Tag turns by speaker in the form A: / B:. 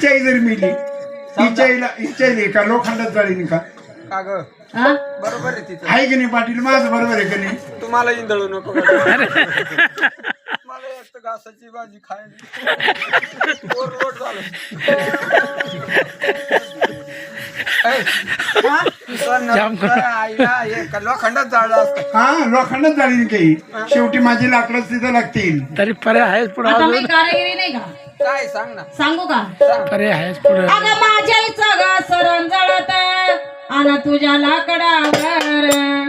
A: हिच्याई जर मिली हिच्याई का लोखंडात जाळीन का
B: का ग
C: हा?
B: बरोबर आहे तिथं
A: आहे की नाही पाटील माझं बरोबर आहे की नाही
B: तुम्हाला इंदळू नको मला एक तर घासाची भाजी खायला ओरलोट झालं आईला हे का लोखंडात जाळलं असतं
A: हा लोखंडात जाळीन काही शेवटी माझी लाकडं तिथं लागतील
D: तरी पर्याय आहेच पुढे
C: आता मी कारागिरी नाही का
B: काय सांग ना
C: सांगू का
D: पर्याय आहेच पुढे
C: अगं माझ्या इचं ग सरण जळत आणि तुझ्या लाकडावर